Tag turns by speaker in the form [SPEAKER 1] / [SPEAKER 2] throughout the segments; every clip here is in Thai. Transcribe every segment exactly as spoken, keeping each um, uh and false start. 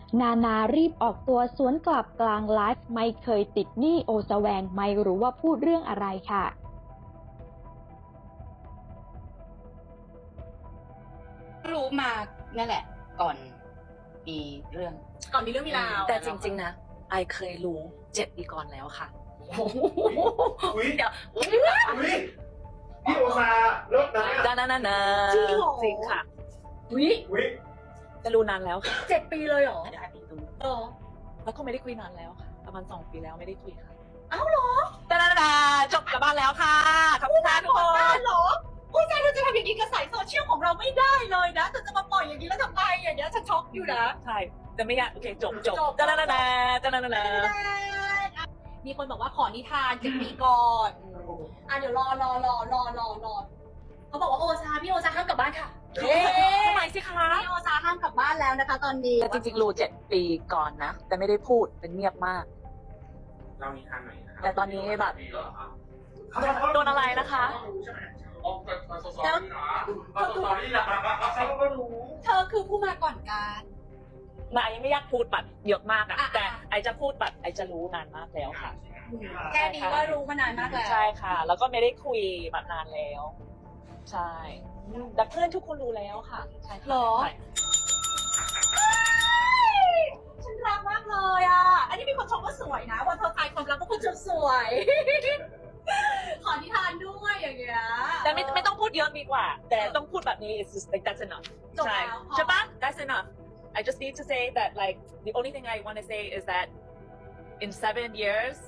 [SPEAKER 1] นานารีบออกตัวสวนกลับกลางไลฟ์ไม่เคยติดหนี้โอซาแวงไม่รู้ว่าพูดเรื่องอะไรค่ะ
[SPEAKER 2] รู้มานั่นแหละก่อนมีเรื่อง
[SPEAKER 3] ก่อนมีเรื่องมีราว
[SPEAKER 4] แต่จริงๆนะไอเคยรู้เจ็ดปีก่อนแล้วค่ะ
[SPEAKER 5] อุ้ย
[SPEAKER 4] เดี๋ยวอุ้ย
[SPEAKER 5] อุ้ยพี่โอซาเลิกนะ
[SPEAKER 4] ดานานานา
[SPEAKER 3] จริงเหรอ
[SPEAKER 4] จริงค่ะ
[SPEAKER 3] วิ
[SPEAKER 5] อุ้ย
[SPEAKER 4] จะรู้นานแล้วค่ะ
[SPEAKER 3] เจ็ดปีเลยเหรอ
[SPEAKER 4] เดี๋ยวให้พี่ดู
[SPEAKER 3] เออ
[SPEAKER 4] แล้วก็ไม่ได้คุยนานแล้วค่ะประมาณสองปีแล้วไม่ได้คุยค่ะ
[SPEAKER 3] เอ้าเหรอ
[SPEAKER 4] ดานานานาจบกลับบ้านแล้วค่ะขอบคุณค่ะทุกค
[SPEAKER 3] ได้
[SPEAKER 4] น
[SPEAKER 3] เหรอโอ้ยใจเราจะทำอย่างนี้กับสายโซเชียลของเราไม่ได้เลยนะแต่จะมาปล่อยอย่างนี้แล้วทำไมอย่างเงี้ยฉันช็อกอยู่นะ
[SPEAKER 4] ใช่แต่ไม่อยากโอเคจบจบ
[SPEAKER 3] จบ
[SPEAKER 4] ดานานานาดานานานา
[SPEAKER 3] มีคนบอกว่าขอนิทานเจ็ดปีก่อนอ่ะเดี๋ยวรอรอรอรอรอรอเขาบอกว่าโอซาพี่โอซาห้ามกลับบ้านค่ะเย้
[SPEAKER 4] ทำไมสิคะ
[SPEAKER 3] พี่โอซาห้ามกลับบ้านแล้วนะคะ ตอนนี้
[SPEAKER 4] แต่จริงๆรู้เจ็ดปีก่อนนะแต่ไม่ได้พูดเป็นเงียบมาก
[SPEAKER 5] เรามีทางไหนนะครับ
[SPEAKER 4] แต่ตอนนี้แบบโดนอะไรนะคะ
[SPEAKER 5] แล้วสตอรี่ล่ะเขาก็รู้
[SPEAKER 3] เธอคือผู้มาก่อนการ
[SPEAKER 4] มาไอยังไม่อยากพูดแบบเยอะมากอะ
[SPEAKER 3] อ่ะ
[SPEAKER 4] แต่ไอจะพูดแบบไอจะรู้นานมากแล้วค่ะ
[SPEAKER 3] แค่นี้ก็รู้มานานมากแล้ว
[SPEAKER 4] ใช่ค่ะ แล้วก็ไม่ได้คุยแบบนานแล้ว ใช่แต่เพื่อนทุกคนรู้แล้วค่ะใช่ค่ะ
[SPEAKER 3] หรอ
[SPEAKER 4] ใช่
[SPEAKER 3] ฉันรักมากเลยอ่ะ อันนี้มีคนชมว่าสวยนะวันเธอทายความรักก็คุณจะสวย ขอนิทานด้วยอย่างเงี้ย
[SPEAKER 4] แต่ไม่ไม่ต้องพูดเยอะดีกว่า แต่ต้องพูดแบบนี้ it's just like that's enough
[SPEAKER 3] จบ
[SPEAKER 4] ใช่
[SPEAKER 3] แล้วพอ
[SPEAKER 4] ใช่ปะ that's enough I just need to say that like the only thing I want to say is that in seven years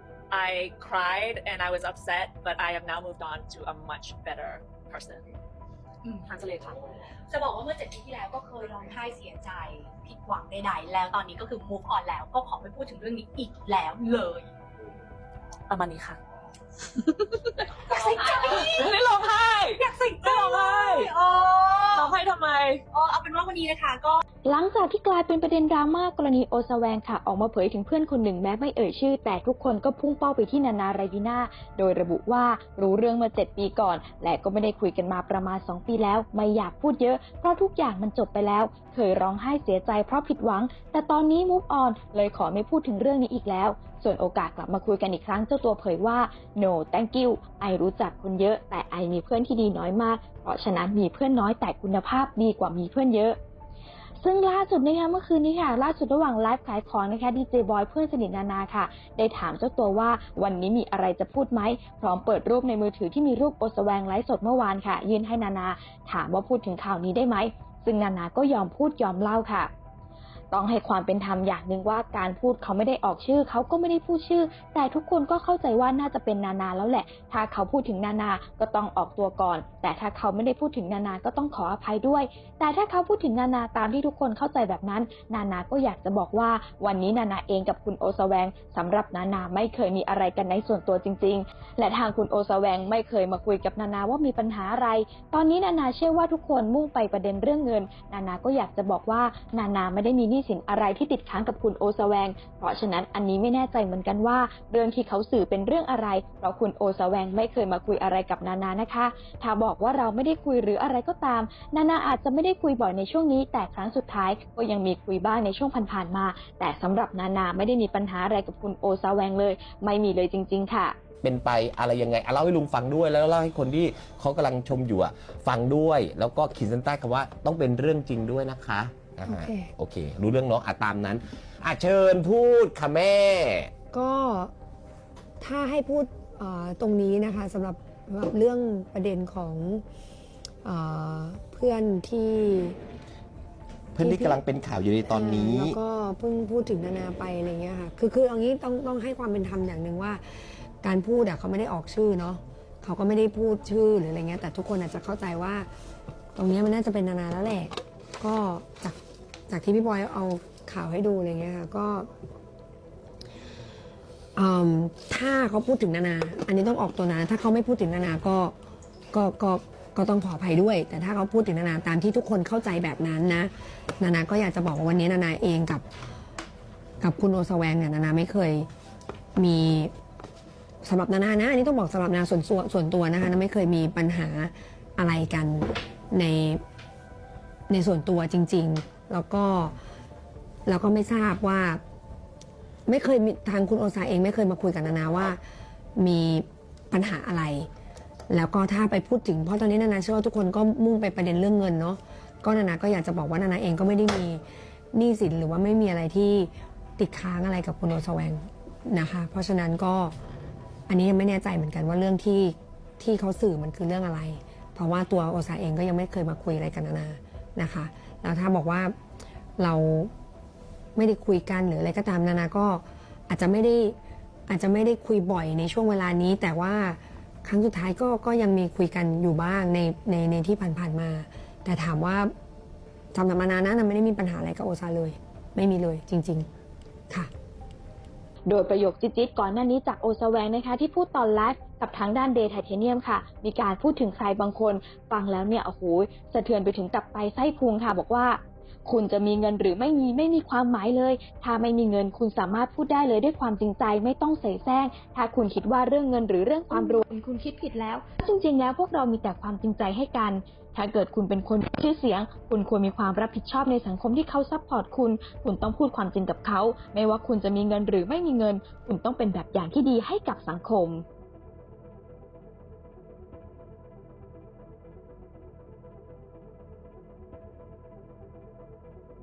[SPEAKER 4] I cried and I was upset but I have now moved on to a much better person
[SPEAKER 3] อืม
[SPEAKER 4] ทันสเลค่ะ
[SPEAKER 3] จะบอกว่าเมื่อเจ็ดปีที่แล้วก็เคยร้องไห้เสียใจ ผิดหวังใดๆแล้วตอนนี้ก็คือ move on แล้วก็ขอไม่พูดถึงเรื่องนี้อีกแล้วเลย
[SPEAKER 4] ประมาณนี้ค่ะ
[SPEAKER 3] อยากใส่ใจ
[SPEAKER 4] ไม่ได้ร้องไห้
[SPEAKER 3] อยากใส่ใจ
[SPEAKER 4] ไม่ร้องไห้
[SPEAKER 3] โอ้
[SPEAKER 4] ร้องไห้ทำไม
[SPEAKER 3] โอ้เอาเป็นว่าวันนี้นะคะก็
[SPEAKER 1] หลังจากที่กลายเป็นประเด็นดราม่ากรณีโอซาแวงค่ะออกมาเผยถึงเพื่อนคนหนึ่งแม้ไม่เอ่ยชื่อแต่ทุกคนก็พุ่งเป้าไปที่นานาไรบิน่าโดยระบุว่ารู้เรื่องมาเจ็ดปีก่อนและก็ไม่ได้คุยกันมาประมาณสองปีแล้วไม่อยากพูดเยอะเพราะทุกอย่างมันจบไปแล้วเคยร้องไห้เสียใจเพราะผิดหวังแต่ตอนนี้ move on เลยขอไม่พูดถึงเรื่องนี้อีกแล้วส่วนโอกาสกลับมาคุยกันอีกครั้งเจ้าตัวเผยว่า no thank you ไอรู้จักคนเยอะแต่ไอมีเพื่อนที่ดีน้อยมากเพราะฉะนั้นมีเพื่อนน้อยแต่คุณภาพดีกว่ามีเพื่อนเยอะซึ่งล่าสุดนะคะเมื่อคืนนี้ค่ะล่าสุดระหว่างไลฟ์ขายของนะคะดีเจบอยเพื่อนสนิทนานาค่ะได้ถามเจ้าตัวว่าวันนี้มีอะไรจะพูดไหมพร้อมเปิดรูปในมือถือที่มีรูปโอซาแวงไลฟ์สดเมื่อวานค่ะยื่นให้นานาถามว่าพูดถึงข่าวนี้ได้ไหมซึ่งนานาก็ยอมพูดยอมเล่าค่ะต้องให้ความเป็นธรรมอย่างหนึ่งว่าการพูดเขาไม่ได้ออกชื่อเขาก็ไม่ได้พูดชื่อแต่ทุกคนก็เข้าใจว่าน่าจะเป็นนานาแล้วแหละถ้าเขาพูดถึงนานาก็ต้องออกตัวก่อนแต่ถ้าเขาไม่ได้พูดถึงนานาก็ต้องขออภัยด้วยแต่ถ้าเขาพูดถึงนานาตามที่ทุกคนเข้าใจแบบนั้นนานาก็อยากจะบอกว่าวันนี้นานาเองกับคุณโอซาแวงสำหรับนานาไม่เคยมีอะไรกันในส่วนตัวจริงๆและทางคุณโอซาแวงไม่เคยมาคุยกับนานาว่ามีปัญหาอะไรตอนนี้นานาเชื่อว่าทุกคนมุ่งไปประเด็นเรื่องเงินนานาก็อยากจะบอกว่านานาไม่ได้มีหนี้สินอะไรที่ติดค้างกับคุณโอซาแวงเพราะฉะนั้นอันนี้ไม่แน่ใจเหมือนกันว่าเรื่องที่เขาสื่อเป็นเรื่องอะไรเพราะคุณโอซาแวงไม่เคยมาคุยอะไรกับนานานะคะถ้าบอกว่าเราไม่ได้คุยหรืออะไรก็ตามนานาอาจจะไม่ได้คุยบ่อยในช่วงนี้แต่ครั้งสุดท้ายก็ยังมีคุยบ้างในช่วงผ่านๆมาแต่สำหรับนานาไม่ได้มีปัญหาอะไรกับคุณโอซาแวงเลยไม่มีเลยจริงๆค่ะ
[SPEAKER 6] เป็นไปอะไรยังไงเล่าให้ลุงฟังด้วยแล้วเล่าให้คนที่เขากำลังชมอยู่ฟังด้วยแล้วก็ขีดเส้นใต้คำว่าต้องเป็นเรื่องจริงด้วยนะคะโอเคโอเครู้เรื่องเนาะอ่ะตามนั้นอ่ะเชิญพูดค่ะแม่
[SPEAKER 7] ก็ถ้าให้พูดตรงนี้นะคะสำหรับเรื่องประเด็นของเพื่อนที่
[SPEAKER 6] เพื่อนที่กำลังเป็นข่าวอยู่ในตอนนี้
[SPEAKER 7] แล้วก็เพิ่งพูดถึงนานาไปอะไรเงี้ยค่ะคือคือเอางี้ต้องต้องให้ความเป็นธรรมอย่างหนึ่งว่าการพูดอ่ะเขาไม่ได้ออกชื่อเนาะเขาก็ไม่ได้พูดชื่อหรืออะไรเงี้ยแต่ทุกคนอาจจะเข้าใจว่าตรงนี้มันน่าจะเป็นนานาแล้วแหละก็จากจากที่พี่บอยเอาข่าวให้ดูอะไรเงี้ยค่ะก็ถ้าเขาพูดถึงนานาอันนี้ต้องออกตัวนะถ้าเขาไม่พูดถึงนานาก็ก็ก็ก็ต้องขออภัยด้วยแต่ถ้าเขาพูดถึงนานาตามที่ทุกคนเข้าใจแบบนั้นนะนานาก็อยากจะบอกว่าวันนี้นานาเองกับกับคุณโอซาแวงเนี่ยนานาไม่เคยมีสำหรับนานานะอันนี้ต้องบอกสำหรับนานาส่วนตัวส่วนตัวนะคะนาไม่เคยมีปัญหาอะไรกันในในส่วนตัวจริงๆแล้วก็แล้วก็ไม่ทราบว่า ไม่เคยมีทางคุณโอซาเองไม่เคยมาคุยกับนานาว่ามีปัญหาอะไร แล้วก็ถ้าไปพูดถึงเพราะตอนนี้นานาเชื่อว่าทุกคนก็มุ่งไปประเด็นเรื่องเงินเนาะก็นานาก็อยากจะบอกว่านานาเองก็ไม่ได้มีหนี้สินหรือว่าไม่มีอะไรที่ติดค้างอะไรกับคุณโอซาแวงนะคะเพราะฉะนั้นก็อันนี้ยังไม่แน่ใจเหมือนกันว่าเรื่องที่ที่เขาสื่อมันคือเรื่องอะไร เพราะว่าตัวโอซาเองก็ยังไม่เคยมาคุยอะไรกับนานานะคะแล้วถ้าบอกว่าเราไม่ได้คุยกันหรืออะไรก็ตามนานาก็อาจจะไม่ได้อาจจะไม่ได้คุยบ่อยในช่วงเวลานี้แต่ว่าครั้งสุดท้ายก็ก็ยังมีคุยกันอยู่บ้างในในในที่ผ่านๆมาแต่ถามว่าสำหรับนานานะนาไม่ได้มีปัญหาอะไรกับโอซาเลยไม่มีเลยจริงๆค่ะ
[SPEAKER 1] โดยประโยคจิ๊ดๆก่อนหน้านี้จากโอซาแวงนะคะที่พูดตอนไลฟ์กับทางด้านเดย์ไทเทเนียมค่ะมีการพูดถึงใครบางคนฟังแล้วเนี่ยโอ้โหสะเทือนไปถึงตับไตไส้พุงค่ะบอกว่าคุณจะมีเงินหรือไม่มีไม่มีความหมายเลยถ้าไม่มีเงินคุณสามารถพูดได้เลยด้วยความจริงใจไม่ต้องเสแสร้งถ้าคุณคิดว่าเรื่องเงินหรือเรื่องความรวยคุณคิดผิดแล้วจริงๆแล้วพวกเรามีแต่ความจริงใจให้กันถ้าเกิดคุณเป็นคนมีชื่อเสียงคุณควรมีความรับผิดชอบในสังคมที่เขาซัพพอร์ตคุณคุณต้องพูดความจริงกับเขาไม่ว่าคุณจะมีเงินหรือไม่มีเงินคุณต้องเป็นแบบอย่างที่ดีให้กับสังคม